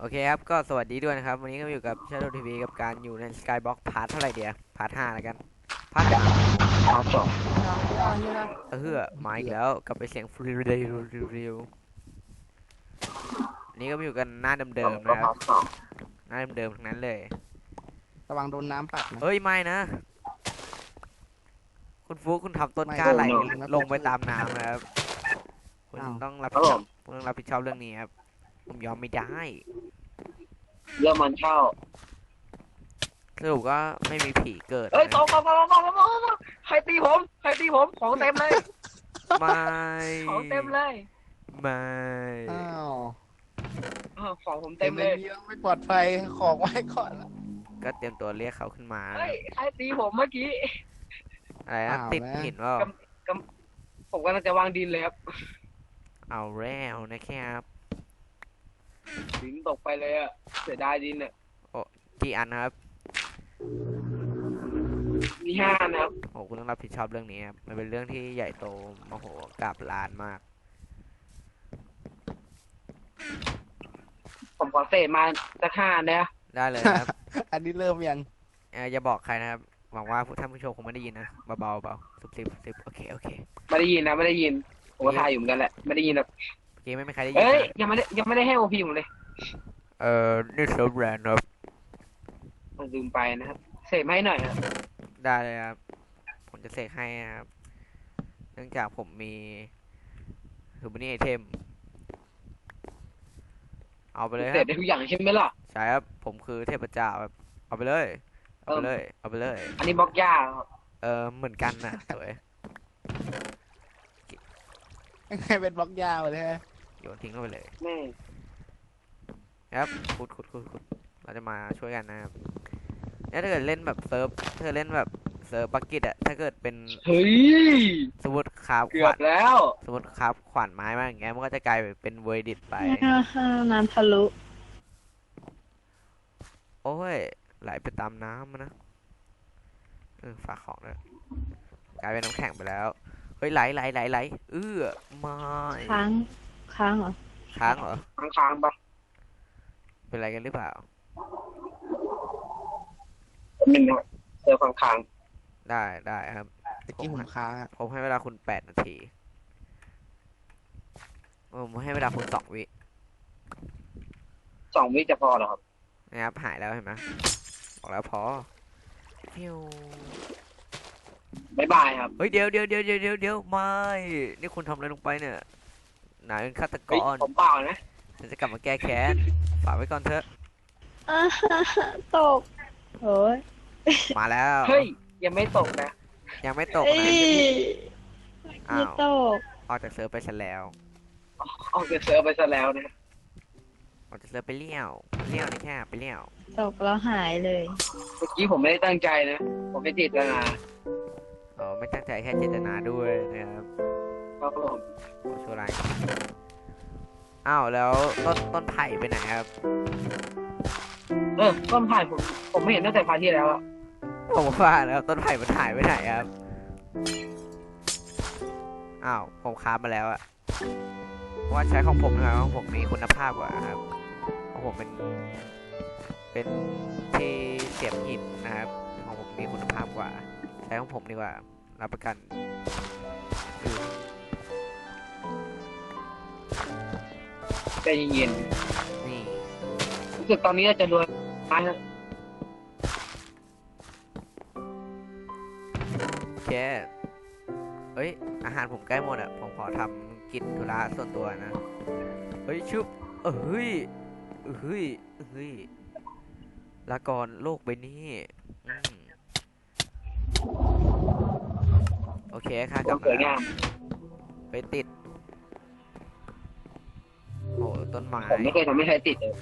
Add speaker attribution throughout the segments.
Speaker 1: โอเคครับก็สวัสดีด้วยนะครับวันนี้ก็อยู่กับ Shadow TV กับการอยู่ใน Skybox พาร์ทเท่าไหร่เดียวพาร์ท5แล้วกันพาร์ท5
Speaker 2: พาร์ท 2
Speaker 3: เฮีย
Speaker 1: มาอีก
Speaker 2: เกือบ
Speaker 1: แล้วกลับไปเสียงฟรีเรียวนี้ก็มาอยู่กันหน้าเดิมๆนะครับ
Speaker 2: พาร์ท 2
Speaker 1: หน้าเดิมๆทั้งนั้นเลย
Speaker 3: ระวังโดนน้ำปัดนะ
Speaker 1: เฮ้ยไม่นะคุณฟุกคุณทำต้น
Speaker 3: ไม่
Speaker 1: กล้าไหล
Speaker 3: โดนนะ
Speaker 1: ลงไปตามน้ำนะครับคุณ
Speaker 3: อ้าว
Speaker 1: ต้องรับ
Speaker 2: ครั
Speaker 1: ผิดชอบ
Speaker 2: บผม
Speaker 1: คุณต้องรับผิดชอบเรื่องนี้ครับผมยอมไม่ได้
Speaker 2: เริ่มมันเข้า
Speaker 1: สรุปก็ไม่มีผีเกิด
Speaker 2: เอ้ย
Speaker 1: นะ
Speaker 2: ตกใครตีผมของเต็มเลย
Speaker 1: ไม่
Speaker 2: ของเต็มเลย
Speaker 1: ไม่
Speaker 3: อ้าว
Speaker 2: ของผมเต็มเลย
Speaker 3: เยอะไม่ปลอดภัยของไว้ก่อนละ
Speaker 1: ก็เตรียมตัวเรียกเขาขึ้นมา
Speaker 2: เฮ้ยใครตีผมเมื่อกี้
Speaker 1: อะไรนะติดหินว่า
Speaker 2: ผมกำลังจะวางดินเลยครับ
Speaker 1: เอาแล้วนะครับ
Speaker 2: ดินตกไปเลยอะเสียดายดินอะ
Speaker 1: กี่อันนะครับ
Speaker 2: มี5นะครับ
Speaker 1: โอ้คุณต้องรับผิดชอบเรื่องนี้ครับมันเป็นเรื่องที่ใหญ่โตมโหฬารลานมาก
Speaker 2: ผมขอเศษมาสัก5นะ
Speaker 1: ได้เลยครับ
Speaker 3: อันนี้เริ่มยัง
Speaker 1: อย่าบอกใครนะครับหวังว่าท่านผู้ชมคงไม่ได้ยินนะเบาซุบซิบโอเค
Speaker 2: ไม่ได้ยินนะไม่ได้ยินผมก็ถ่ายอยู่เหมือนกันแหละไม่ได้ยินแบบ
Speaker 1: เมื่อกี้ไม่มีใครได้ยิน
Speaker 2: เอ้ย
Speaker 1: นะ
Speaker 2: ยังไม่ได้ให้โอพีผมเลย
Speaker 1: นี่เซิร์ฟแรนครับ
Speaker 2: ผมลืมไปนะครับเศษมาให้หน่อยครับ
Speaker 1: ได้เลยครับผมจะเสกให้นะครับเนื่องจากผมมีทูบันนี่ไอเทมเอาไปเลยค
Speaker 2: เศ
Speaker 1: รั
Speaker 2: ษ
Speaker 1: บ
Speaker 2: ได้ทุกอย่างใช่ไหมล่ะ
Speaker 1: ใช่ครับผมคือเทพเจ้าครับเอาไปเลยเอาไปเลย
Speaker 2: อันนี้บล็อกหญ้าครับ
Speaker 1: เหมือนกันนะสวย
Speaker 3: ให้เป็นบล็อกยาวเลยฮะ
Speaker 1: โยนทิ้งเข้าไปเลย
Speaker 2: แม่
Speaker 1: ครับขุดเราจะมาช่วยกันนะครับแล้วถ้าเกิดเล่นแบบเซิร์ฟถ้าเกิดเล่นแบบเซิร์ฟบักกิตอะถ้าเกิดเป็น
Speaker 2: เฮ้ย
Speaker 1: สมมติคราฟ
Speaker 2: เกื
Speaker 1: ข
Speaker 2: อ
Speaker 1: วา
Speaker 2: บ
Speaker 1: น
Speaker 2: แล้ว
Speaker 1: สมมติคราฟขวานไม้มาอย่างเงี้ยมันก็จะกลายเป็นเวอร์ดิตไป
Speaker 4: น้ำทะลุ
Speaker 1: โอ้ยไหลไปตามน้ำนะฝากของเลยกลายเป็นน้ำแข็งไปแล้วเฮ้ยไหลไม่
Speaker 4: ค้างค้างเหรอ
Speaker 1: ค้างเหรอ
Speaker 2: ค้างๆปะ
Speaker 1: เป็นอะไรกันหรือเปล่า
Speaker 2: หนึ่งนะเจอค้าง
Speaker 1: ได้ครับ
Speaker 3: ตะกี้ผมค้างอะ
Speaker 1: ผมให้เวลาคุณ8 นาทีผมให้เวลาคุณ2 วิ
Speaker 2: ๆ2 วิจะพอเหรอครับ
Speaker 1: นะครับหายแล้วเห็นไหมบอกแล้วพอฟิว
Speaker 2: บ๊ายบายครับ
Speaker 1: เฮ้ยเดี๋ยวไม่นี่คุณทำอะไรลงไปเนี่ยนายเป็นฆาตก
Speaker 2: เฮ้ย
Speaker 1: ร
Speaker 2: ผมเปล่านะ
Speaker 1: ฉันจะกลับมาแก้แค้นฝากไว้ก่อนเถอะ
Speaker 4: อ่าตกโอ้ย
Speaker 1: มาแล้ว
Speaker 2: เฮ้ยยังไม่ตกนะ
Speaker 1: ยังไม่ตก
Speaker 4: เอ้
Speaker 1: นะ
Speaker 4: ย
Speaker 1: อ้า
Speaker 4: ไม่
Speaker 1: ว
Speaker 4: ตก
Speaker 1: ออกจากเซิร์ฟไปซะแล้ว
Speaker 2: ออกจากเซิร์ฟไปซะแล้วนะ
Speaker 1: ออกจากเซิร์ฟไปเลี้ยวนี่แค่ไปเลี้ยว
Speaker 4: ตกแล้วหายเลย
Speaker 2: เมื่อกี้ผมไม่ได้ตั้งใจนะผมไม่ติดนะ
Speaker 1: อ๋อไม่ตั้งใจแค่เจตนาด้วยนะครับ
Speaker 2: ครับผม
Speaker 1: โอ้ชั่วร้ายอ้าวแล้วต้นไผ่ไปไหนครับ
Speaker 2: ต้นไผ่ผมไม่เห็นตั้งแต่พาร์ทที่แล้วอะ
Speaker 1: ผมว่าแล้วต้นไผ่มันหายไปไหนครับอ้าวผมค้ามาแล้วอะเพราะว่าใช้ของผมนะครับของผมมีคุณภาพกว่าครับของผมเป็นที่เสียบหินนะครับของผมมีคุณภาพกว่าใช้ของผมดีกว่ารับประกันอือ
Speaker 2: ใจเย็น
Speaker 1: นี่
Speaker 2: ๆรู้สึกตอนนี้จะรวยมากนะ
Speaker 1: โอเคเอ้ยอาหารผมใกล้หมดอะผมขอทำกิจธุระส่วนตัวนะเฮ้ยชุบเฮ้ยลาก่อนโลกใบนี้อืมโอเคค่ะก
Speaker 2: ต้
Speaker 1: ลั
Speaker 2: อบ ง
Speaker 1: มา
Speaker 2: เกิด
Speaker 1: แล้ว
Speaker 2: งาม
Speaker 1: ไปติดโอ้ต้นไม้
Speaker 2: ผมไม่เคยทำให้ใครติดเลย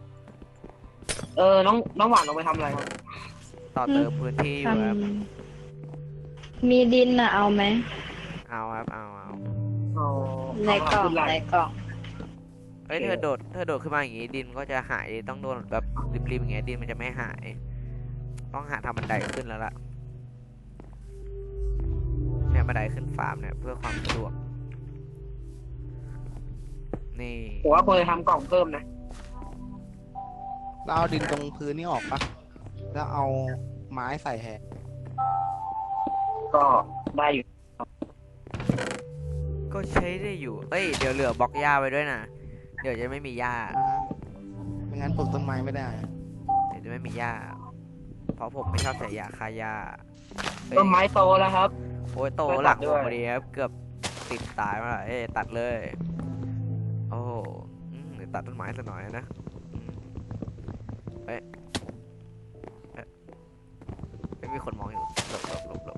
Speaker 2: น้องหวานลงไปทำอะไรครับ
Speaker 1: ต่อเติมพื้นที่อ
Speaker 4: ท
Speaker 1: ยู่ครับ
Speaker 4: ำมีดินน่ะเอาไหม
Speaker 1: เอาครับเอา
Speaker 2: อ๋อ
Speaker 4: ในกล่อง
Speaker 2: ขึ้นไล
Speaker 4: ใน
Speaker 2: น์
Speaker 4: กล่อง
Speaker 1: เอ้ยถ้าโดดขึ้นมาอย่างงี้ดินก็จะหายต้องโดนแบบริมๆอย่างเงี้ยดินมันจะไม่หาย ต้องหาทำบันไดขึ้นแล้วล่ะเนี่ยบันไดขึ้นฟาร์มเนี่ยเพื่อความสะดวกนี่
Speaker 2: ผมว่าควรจะทำกล่องเพิ่มนะ
Speaker 3: แล้วเอาดินตรงพื้นนี่ออกปะแล้วเอาไม้ใส่แทน
Speaker 2: ก็ได้อยู่
Speaker 1: ก็ใช้ได้อยู่ เอ้ย เดี๋ยวเหลือบล็อกหญ้าไว้ด้วยนะ เดี๋ยวจะไม่มีหญ้า
Speaker 3: ไม่งั้นปลูกต้นไม้ไม่ได้
Speaker 1: เดี๋ยวจะไม่มีหญ้า เพราะผมไม่ชอบใส่ยาฆ่าหญ้าเอ้ย
Speaker 2: ต้นไม้โตแล้วครับ
Speaker 1: โอ้ยโต
Speaker 2: ไม่ตัด
Speaker 1: หลักผ
Speaker 2: ด้ว
Speaker 1: ม
Speaker 2: ย
Speaker 1: พอดีครับ เกือบติดตายมาแล้วเอ้ยตัดเลย โอ้โหเดี๋ยวตัดต้นไม้ซะหน่อยนะอืมเอ้ยไม่มีคนมองอยู่หลบ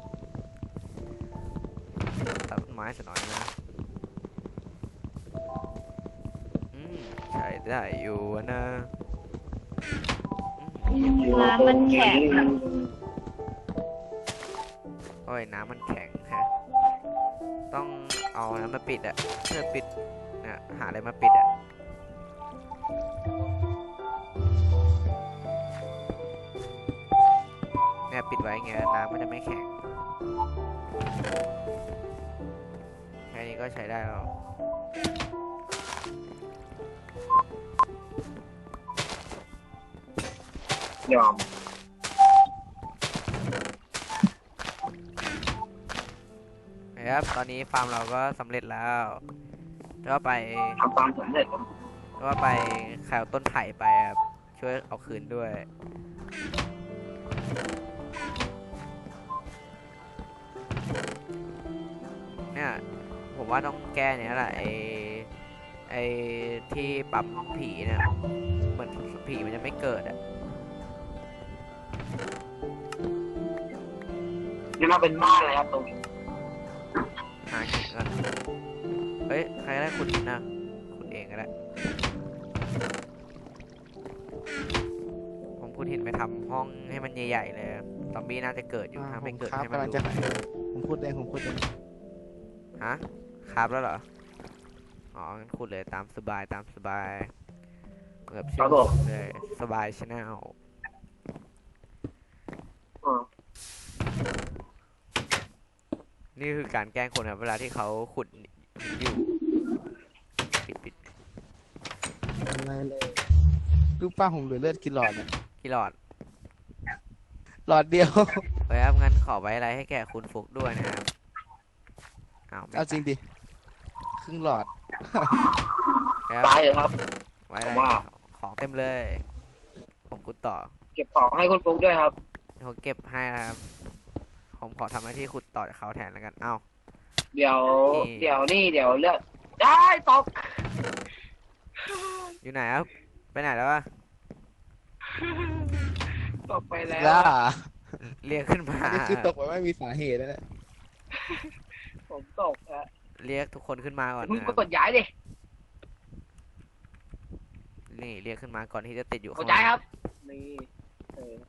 Speaker 1: ตัดต้นไม้ซะหน่อยนะใช้ได้อยู่นะ
Speaker 4: น้ำมันแข็ง
Speaker 1: โอ้ยน้ำมันแข็งฮะต้องเอาน้ำมาปิดอะเพื่อปิดเนี่ยหาอะไรมาปิดอะเนี่ยปิดไว้ไงน้ำมันจะไม่แข็งแค่นี้ก็ใช้ได้แล้ว
Speaker 2: ยอม
Speaker 1: นะครับตอนนี้ฟาร์มเราก็สำเร็จแล้วก็ไป
Speaker 2: ทำตามสำเร็จครับ
Speaker 1: ก็ไปขายต้นไผ่ไปครับช่วยเอาคืนด้วยเนี่ยผมว่าต้องแก้เนี่ยแหละไอที่ปั๊มผีเนี่ยเหมือนผีมันจะไม่เกิดอ่ะ
Speaker 2: นี่มาเป็นบ้านเลยครับตรงนี้
Speaker 1: หาหินก่อนเฮ้ยใครก็ได้ขุดหินนะขุดเองก็ได้ผมขุดหินไปทำห้องให้มันใหญ่ๆเลยซอมบี้น่าจะเกิดอยู่ถ้าไม่เกิด
Speaker 3: ครับ
Speaker 1: ให้มัน
Speaker 3: กำลัง
Speaker 1: รู้
Speaker 3: จะ
Speaker 1: ไป
Speaker 3: ผมพูดเอง
Speaker 1: ฮะครับแล้วเหรอ อ๋องั้นขุดเลยตามสบายแบบชื่อผมเลยสบายชาแนล
Speaker 2: อ่า
Speaker 1: นี่คือการแกล้งคนครับเวลาที่เขาขุดอยู่ปิด
Speaker 3: อะไรเลยลูกป้าผมเหลือเลือดกี่หลอดเนี่ย
Speaker 1: กี่หลอด
Speaker 3: หลอดเดียว
Speaker 1: ไว้ครับงั้นขอไว้อะไรให้แก่คุณฟุกด้วยนะครับอ้าวไม่
Speaker 3: เอาจริงดิครึ่งหลอด
Speaker 1: ครับ
Speaker 2: ตายเลยครับ
Speaker 1: ไว้อะไร
Speaker 2: ผมว่า
Speaker 1: ของเต็มเลย ผมขุดต่อ
Speaker 2: เก็บของให้คุณฟุ๊กด้วยครับ
Speaker 1: ผมเก็บให้นะครับ ผมขอทำหน้าที่ขุดต่อจากเขาแทนแล้วกัน เอ้า
Speaker 2: เดี๋ยว
Speaker 1: นี่
Speaker 2: เดี๋ยวนี่เดี๋ยวเลือกได้ตก
Speaker 1: อยู่ไหนครับ ไปไหนแล้ววะ
Speaker 2: ตกไปแล้ว
Speaker 3: ล่า
Speaker 1: เรียกขึ้นมา
Speaker 3: อันนี้คือตกไปไม่มีสาเหตุนะเนี่ย
Speaker 2: ผมตกฮะ
Speaker 1: เรียกทุกคนขึ้นมาก่อน
Speaker 2: มึง
Speaker 1: นะค
Speaker 2: ก็
Speaker 1: รับ
Speaker 2: กดย้ายดิ
Speaker 1: นี่เรียกขึ้นมาก่อนที่จะติดอยู่
Speaker 2: ก
Speaker 1: ข้า
Speaker 2: ด
Speaker 1: ง
Speaker 2: ย้าย
Speaker 1: ล่าง
Speaker 2: ครับนี่เออ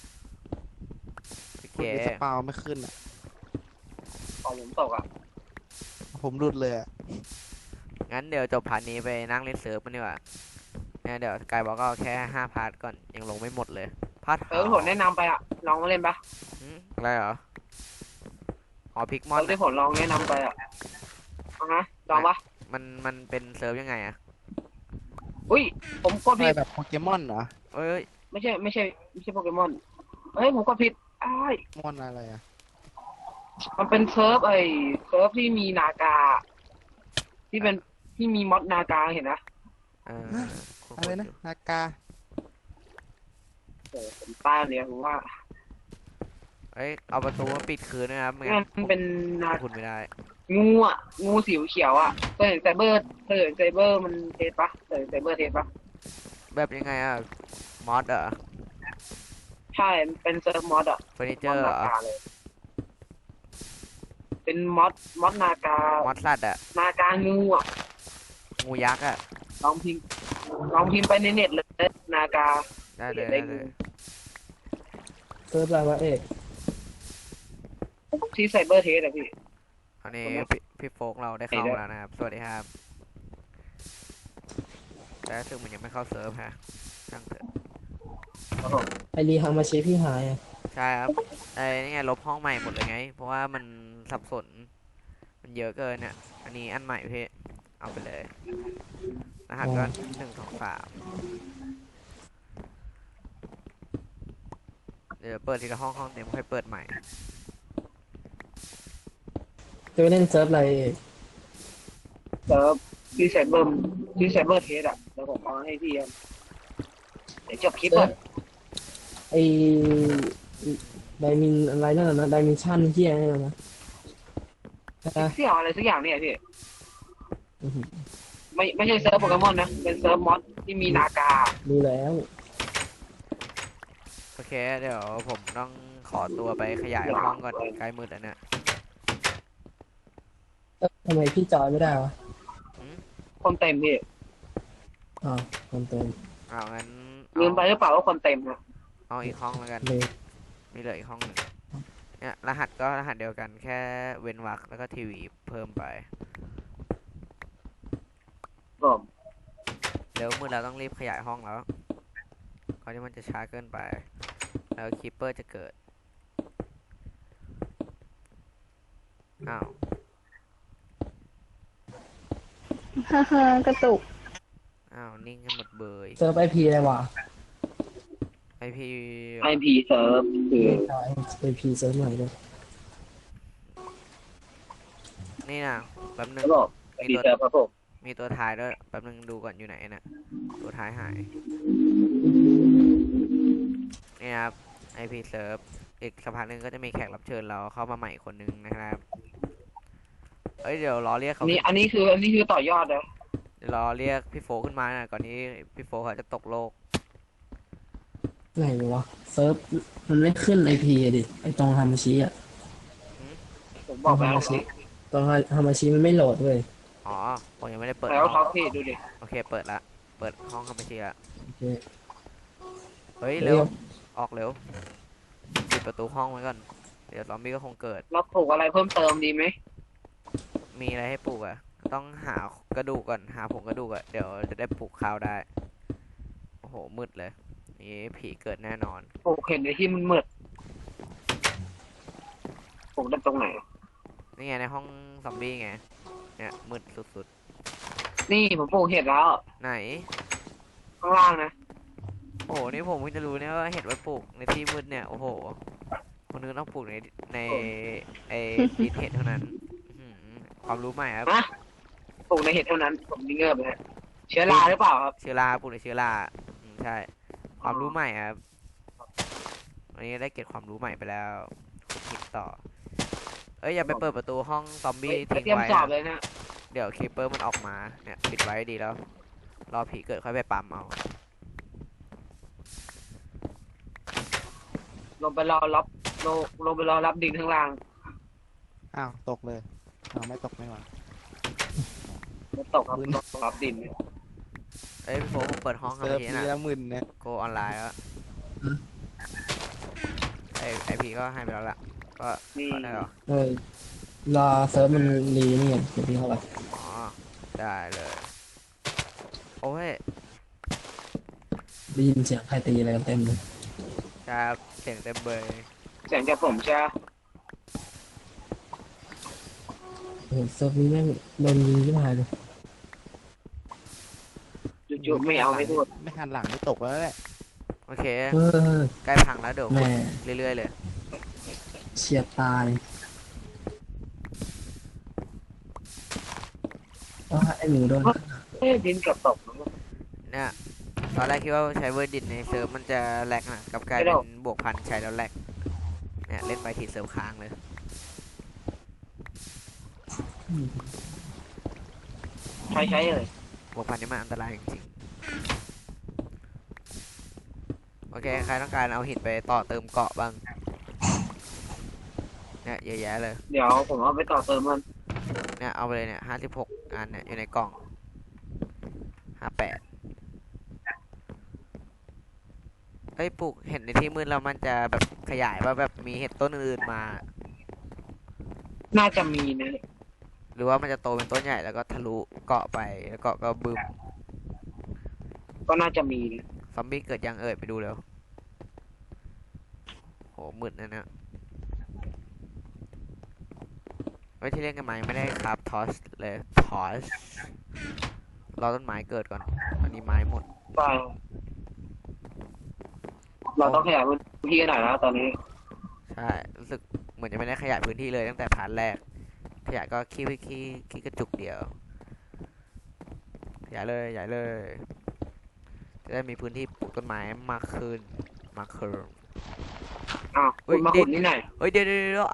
Speaker 1: โอเค
Speaker 3: คุณสปาวไม่ขึ้นอ่ะ
Speaker 2: ของผมตกอ่ะ
Speaker 3: ผมรุดเลยอ่ะ
Speaker 1: งั้นเดี๋ยวจบพาร์ทนี้ไปนั่งเล่นเซิร์ฟกันดีกว่าเนี่ยเดี๋ยวกายบอกก็เอาแค่5 พาร์ทก่อนยังลงไม่หมดเลย พาร์ท
Speaker 2: ผมแนะนำไปอ่ะลองมาเล่นปะ
Speaker 1: อะไรเหรอ อ๋อพิกมอ
Speaker 2: เอน อที่ผมลองแนะนำไปอ่ะเอาฮะลองปะ
Speaker 1: มันเป็นเซิร์ฟยังไงอะ
Speaker 2: อุ้ยผมกด
Speaker 3: อะไร
Speaker 2: ผิด
Speaker 3: แบบโปเกมอนเหรอ
Speaker 1: เอ้ย
Speaker 2: ไม่ใช่โปเกมอนเฮ้ยผมกดผิดอ้าย
Speaker 3: มอนอะไรอ่ะ
Speaker 2: มันเป็นเซิร์ฟเซิร์ฟที่มีนากา ที่เป็นที่มีมอดนากาเห็นนะ
Speaker 1: เออ
Speaker 3: อะไรนะนากา
Speaker 2: โอ้ผมต้านเนี่ยผมว่า
Speaker 1: เอ้ยเอาประตูมาปิดคืนนะครับไม่
Speaker 2: มั
Speaker 1: งั้น
Speaker 2: นเป็นนา
Speaker 1: คุณไม่ได้
Speaker 2: งูอ่ะงูสีเขียวอ่ะเคยเห็นไซเบอร์มันเทสปะเคยเห็นไซเบอร์เทสปะ
Speaker 1: แบบยังไงอะมอสเหรอ
Speaker 2: ใช่มันเป็นเซิร์ฟมอดอ่ะ
Speaker 1: เฟอร์นิเจ
Speaker 2: ม
Speaker 1: อ
Speaker 2: อด
Speaker 1: ร์เหร
Speaker 2: นา
Speaker 1: อ
Speaker 2: กาเลย เป็นมอดนากาม
Speaker 1: อสสัตว์อะ
Speaker 2: นากางูอ่ะ
Speaker 1: งูยักษ์อะ
Speaker 2: ลองพิมพ์ไปในเน็ตเลยนากา
Speaker 1: ได้เลย
Speaker 2: ได้
Speaker 1: ได้เลย
Speaker 5: เซิร์ฟอะไรวะเอก
Speaker 2: ที่ไซเบอร์เทสอะพี่
Speaker 1: อันนี้พี่โฟกเราได้เข้ามาแล้วนะครับ สวัสดีครับ แต่ซึ่งมันยังไม่เข้าเซิร์ฟฮะช่างเถอะ
Speaker 5: ไอรีฮามาชิพี่หายอ่ะ
Speaker 1: ใช่ครับไอ้นี่ไงลบห้องใหม่หมดเลยไง เพราะว่ามันสับสน มันเยอะเกินเนี่ยอันนี้อันใหม่พี่ เอาไปเลย รหัสก็1 2 3 ดี๋ยวเปิดทีละห้องห้องเต็มค่อยเปิดใหม่
Speaker 5: จะไปเล่นเซิร์ฟอะไรเอก
Speaker 2: เซิร์ฟที่ไซเบอร์เทสอ่ะแล้วผมเอาให้พี่เดี๋ยวจบคลิป
Speaker 5: เซิ
Speaker 2: ก่
Speaker 5: ร์
Speaker 2: อ
Speaker 5: ฟ
Speaker 2: น
Speaker 5: ไอไดมินอะไรนั่นน่ะนะไดมินชั่นเฮียนี่นนะนะ
Speaker 2: เสี่ยวอะไรสักอย่างเนี่ยพี่
Speaker 5: อื้อหือ
Speaker 2: ไม่ใช่เซิร์ฟโปเกมอนนะเป็นเซิร์ฟมอสที่มีนากา
Speaker 5: รู้แล้ว
Speaker 1: โอเค เดี๋ยวผมต้องขอตัวไปขยายห้องก่อนใกล้มืดแล้วเนี่ย
Speaker 5: ทำไมพี่จอยไม่ได้วะ
Speaker 2: คนเต็มพี่
Speaker 5: อ๋อคนเต็ม
Speaker 1: เอางั้น
Speaker 2: ลืมไปหรือเปล่าว่าคนเต็มนะ
Speaker 1: เอาอีกห้องแล้วกัน
Speaker 5: เลย
Speaker 1: มีเหลืออีกห้องหนึ่งเนี่ยรหัสก็รหัสเดียวกันแค่เว้นวรรคแล้วก็ทีวีเพิ่มไป
Speaker 2: ผม
Speaker 1: เดี๋ยวมืดเราต้องรีบขยายห้องแล้วก่อนที่มันจะช้าเกินไป แล้วคีปเปอร์จะเกิด อ้าว
Speaker 4: ฮ่าฮ่ากระตุก
Speaker 1: อ้าว นิ่งกันหมดเบย
Speaker 5: เซิร์ฟไอพีอะไรวะ
Speaker 1: ไอพี
Speaker 2: ไอพีเซิร์ฟคือ
Speaker 5: ไอพีเซิร์ฟใหม่เลย
Speaker 1: นี่นะแป๊บนึง
Speaker 2: ระบบไอพีเซิร์ฟครับผม
Speaker 1: มีตัวท้ายด้วยแป๊บนึงดูก่อนอยู่ไหนนะตัวท้ายหายนี่นะครับ IP Serve อีกสักพักหนึงก็จะมีแขกรับเชิญเราเข้ามาใหม่คนนึงนะครับเอ้ยเดี๋ยวรอเรียกเขา
Speaker 2: อันนี้คือต่อยอดนะ
Speaker 1: เดี๋ยวรอเรียกพี่โฟขึ้นมานะก่อนนี้พี่โฟเขาจะตกโลก
Speaker 5: ไหนวะเซิร์ฟมันไม่ขึ้นไอพีดิไอตรงฮามาชิอ่ะ
Speaker 2: ผมบอกแล้ว
Speaker 5: ตรงฮามาชิมันไม่โหลดเลย
Speaker 1: อ๋อผมยังไม่ได้เปิด
Speaker 2: แล้ว
Speaker 1: ห้
Speaker 2: ท็อ
Speaker 1: อง
Speaker 2: ปพี่ดูดิ
Speaker 1: โอเคเปิดละเปิดห้องเข้าไปทีละ
Speaker 5: โอเค
Speaker 1: เฮ้ยเร็วออกเร็วปิดประตูห้องไว้ก่อนเดี๋ยวซอมบี้ก็คงเกิด
Speaker 2: เราปลูกอะไรเพิ่มเติมดีไหม
Speaker 1: มีอะไรให้ปลูกอ่ะ ต้องหากระดูกก่อน หาผงกระดูกอ่ะ เดี๋ยวจะได้ปลูกข้าวได้ โอ้โห มืดเลย นี่ผีเกิดแน่นอน
Speaker 2: ปลูกเห็นในที่มันมืดปลูกได้ตรงไหน
Speaker 1: นี่ไงในห้องซอมบี้ไง เนี่ยมืดสุด
Speaker 2: นี่ผมปลูกเห็ดแล้ว
Speaker 1: ๆ ไหน
Speaker 2: ข้างล่างนะ
Speaker 1: โอ้โห นี่ผมเพิ่งจะรู้เนี่ยว่าเห็ดไว้ปลูกในที่มืดเนี่ย โอ้โห คนนึงต้องปลูกในไอ้ดินเห็ดเท่านั้นอื้อหือความรู้ใหม่ครับ
Speaker 2: ฮะปลูกในเห็ดเท่านั้น ผมนี่เงือบเลยฮะเชื้อราหรือเปล่าครับ
Speaker 1: เชื้อราปลูกในเชื้อราใช่ ความรู้ใหม่ครับ วันนี้ได้เก็บความรู้ใหม่ไปแล้วขุดหินต่อ เอ้ยอย่าไปเปิดประตูห้องซอมบี้ทิ้ง
Speaker 2: เตรียม
Speaker 1: ไว้
Speaker 2: สอบ
Speaker 1: นะ
Speaker 2: เลยนะ
Speaker 1: เดี๋ยวคีเปอร์มันออกมา เนี่ยปิดไว้ดีแล้ว รอผีเกิดค่อยไปปั๊มเอา
Speaker 2: ลงไปรอรับดินข้างล่าง
Speaker 3: อ้าวตกเลยอ้าวไม่ตกไม่หวา
Speaker 2: แล้วตกครับลงรับดิน
Speaker 1: เอ้ยพี่โฟผมเปิดห้องครั
Speaker 3: เซิร์ฟ
Speaker 1: ที
Speaker 3: นี้
Speaker 1: นะ
Speaker 3: ละหมื่นเนี่ย
Speaker 1: โกออนไลน์แล้วไอพีก็ให้ไปแล้วล่ะ ก็
Speaker 2: นี่
Speaker 1: ก็ได้หรอ
Speaker 5: เออรอเซิร์ฟมันรีนี่ก่อนเดี๋ยวพี่เข้าไป
Speaker 1: อ๋อ ได้เลย โอ้ย
Speaker 5: ได้ยินเสียงใครตีอะไรกันเต็มเลย
Speaker 1: ครับเสียงเต็มเบย
Speaker 2: เสียงจากผมใช่ไหม
Speaker 5: โอ้โหเซิร์ฟนี้แม่งโดนยิงที่หายเลย
Speaker 2: จู่ๆไม่เอาไม่พูด
Speaker 3: ไม่หันหลังไม่ตกแล้วแหละ
Speaker 1: โอเค
Speaker 5: เออ
Speaker 1: ใกล้พังแล้วเดี๋ยว
Speaker 5: แม่
Speaker 1: เรื่อยๆเลย
Speaker 5: เฉียดตายว่าไอหมูโดน
Speaker 2: ดินเกือบตก
Speaker 1: เนี่ย ตอนแรกคิดว่าใช้เวอร์ดินในเซิร์ฟมันจะแลกนะกลับกลาย
Speaker 2: ไม่
Speaker 1: เป็
Speaker 2: หรอก
Speaker 1: นบวกพันใช้แล้วแลกเนี่ยเล่นไปทีเซิร์ฟค้างเลย
Speaker 2: ใช้เลย
Speaker 1: บวกพันนี่มันอันตรายจริงๆโอเค ใครต้องการเอาหินไปต่อเติมเกาะบ้าง เนี่ยเยอะแยะเลย
Speaker 2: เดี๋ยวผมเอาไปต่อเติมมัน
Speaker 1: เนี่ยเอาไปเลยเนี่ย56 อันเนี่ยอยู่ในกล่อง58เอ้ยปลูกเห็ดในที่มืดแล้วมันจะแบบขยายว่าแบบมีเห็ดต้นอื่นๆมา
Speaker 2: น่าจะมีนะ
Speaker 1: หรือว่ามันจะโตเป็นต้นใหญ่แล้วก็ทะลุเกาะไปแล้วเกาะก็บึม
Speaker 2: ก็น่าจะมีนะ
Speaker 1: ซอมบี้เกิดยังเอ่ยไปดูเร็วโหมืดนะเนี่ยไว้ที่เล่นกันมายังไม่ได้ครับทอสเลยทอสรอต้นไม้เกิดก่อนอันนี้ไม้หมด
Speaker 2: ไปรเราต้องขยายพื้นที่หน่อยแล้วตอนนี้
Speaker 1: ใช่รู้สึกเหมือนจะไม่ได้ขยายพื้นที่เลยตั้งแต่พาร์ทแรกขยายก็ขี้กระจุกเดียวขยายเลยจะได้มีพื้นที่ปลูกต้นไม้มากขึ้น
Speaker 2: อ้าว
Speaker 1: เฮ้
Speaker 2: คุ
Speaker 1: ย
Speaker 2: ณมาขุดนี่หน่อย
Speaker 1: เฮ้ยเดี๋ยว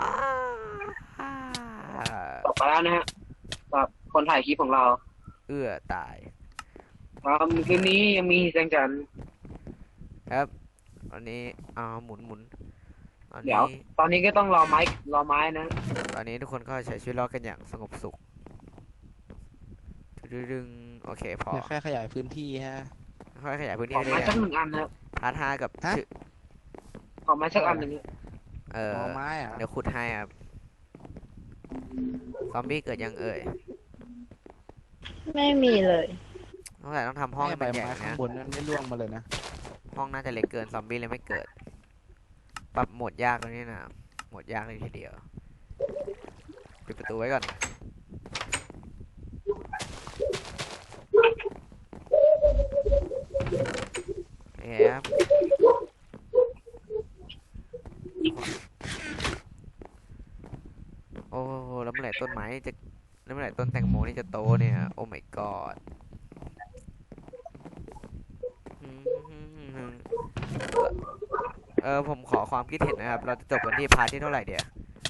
Speaker 2: ตกไปแล้วนะฮะกับคนถ่ายคลิปของเรา
Speaker 1: เอื้อตาย
Speaker 2: คืนนี้ยังมีแสงจันทร์
Speaker 1: ครับอันนี้หมุนอัน
Speaker 2: เดี๋ยว
Speaker 1: นี้
Speaker 2: ตอนนี้ก็ต้องรอไม้นะ
Speaker 1: ตอนนี้ทุกคนก็ใช้ชีวิตรอดกันอย่างสงบสุขดึงโอเคพอ
Speaker 3: เนี่ยแค่ขยายพื้นที่ฮะ
Speaker 1: ค่อยขยายพื้น
Speaker 2: ข
Speaker 1: ที่
Speaker 2: อ
Speaker 1: ได้
Speaker 2: ไม้
Speaker 1: เลย
Speaker 2: สักหนึ่งอันนะครับ
Speaker 1: พาร์ท5กับ
Speaker 3: ฮะ
Speaker 1: ชื่อ
Speaker 2: ขอไม้สักอันหนึ่ง
Speaker 3: หมอไม้อ่ะ
Speaker 1: เดี๋ยวขุดให้ครับซอมบี้เกิดยังเอ่ย
Speaker 4: ไม่มีเลย
Speaker 1: ต้องทำห้องให้
Speaker 3: ใบ
Speaker 1: มันใหญ่
Speaker 3: ไม้ข้าง
Speaker 1: นะ
Speaker 3: บนนั้นไม่ร่วงมาเลยนะ
Speaker 1: ห้องน่าจะเล็กเกินซอมบี้เลยไม่เกิด ปรับโหมดยากแล้วนี่นะโหมดยากเลยทีเดียวปิดประตูไว้ก่อนโอเคครับโอ้โหแล้วเมื่อไหร่ต้นไม้นี่จะแล้วเมื่อไหร่ต้นแตงโมนี่จะโตเนี่ยโอ้ my god ผมขอความคิดเห็นนะครับ เราจะจบกันที่พาร์ทที่เท่าไหร่เดียว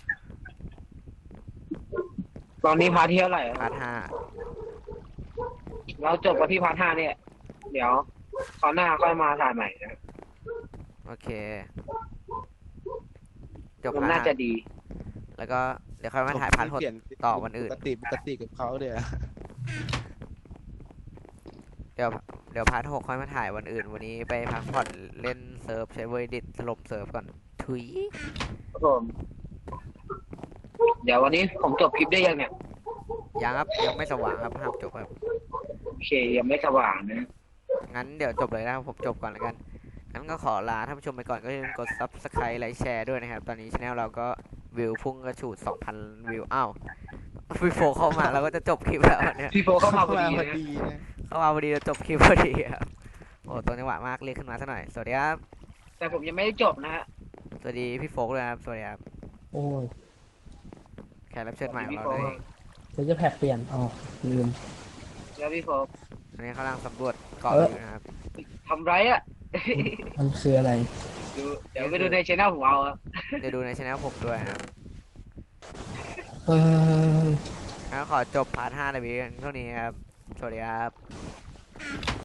Speaker 2: ตอนนี้พาร์ทที่เท่าไหร่
Speaker 1: พาร์ท
Speaker 2: เราจบกันที่พาร์ทห้าเนี่ย เดี๋ยวคราวหน้าค่อยมาถ่ายใหม่นะ
Speaker 1: 5โอเค จบ
Speaker 2: มัน
Speaker 1: พา
Speaker 2: น่า
Speaker 1: ร์ท
Speaker 2: จะดี
Speaker 1: แล้วก็เดี๋ยวค่อยมาถ่ายพาร์ท
Speaker 3: เปลี่ยน
Speaker 1: ต่อวันอื่น
Speaker 3: ปกติกับเขาเดี๋ยว
Speaker 1: เดี๋ยวพาร์ท6ค่อยมาถ่ายวันอื่น วันนี้ไปพักผ่อนเล่นเซิร์ฟใช้เวอร์ดิตถล่มเซิร์ฟก่อน ถุย
Speaker 2: ครับผมเดี๋ยววันนี้ผมจบคลิปได้ยังเนี่ย
Speaker 1: ยังครับ ยังไม่สว่างครับห้ามจบครับ
Speaker 2: โอเคยังไม่สว่างนะ
Speaker 1: งั้นเดี๋ยวจบเลยนะครับผมจบก่อนแล้วกัน งั้นก็ขอลาท่านผู้ชมไปก่อนก็อย่าลืมกด subscribe ไลค์แชร์ด้วยนะครับ ตอนนี้ช anel เราก็วิวพุ่งกระฉูด 2,000 วิว อ้าวพี่โฟเข้ามาเราก็จะจบคลิปแล้วเนี่ย
Speaker 2: พี่โฟเข้ามาพอ
Speaker 3: มา
Speaker 2: ดี
Speaker 3: พอ
Speaker 2: นะ
Speaker 3: ดีนะ
Speaker 1: เข้ามาพอดีเราจบคลิปพอดีครับ โอ้ตรงจังหวะมากเรียกขึ้นมาซะหน่อย สวัสดีครับ
Speaker 2: แต่ผมยังไม่ได้จบนะฮะ
Speaker 1: สวัสดีพี่โฟกด้วยครับ สวัสดีครับ
Speaker 5: โอ้ย
Speaker 1: แขกรับเชิญใหม่ของ
Speaker 2: พี่
Speaker 1: เรา
Speaker 2: โฟ
Speaker 1: เลย
Speaker 5: เดี๋ยวจะแพ็กเปลี่ยนอ๋อลืม
Speaker 2: แล้วพี่โฟ
Speaker 1: อันนี้เขากำลังสำรวจเกาะ
Speaker 5: เออ
Speaker 1: อยู่นะครับ
Speaker 2: ทำไรอ่ะ
Speaker 5: มันคืออะไร
Speaker 2: เดี๋ยวไปดูในช่องผมเอาอะ
Speaker 1: เดี๋ยวดูในช anel ผมด้วยนะครับ
Speaker 5: เออ
Speaker 1: งั้นขอจบพาร์ท5ในวิดีโอเท่านี้ครับ สวัสดีครับ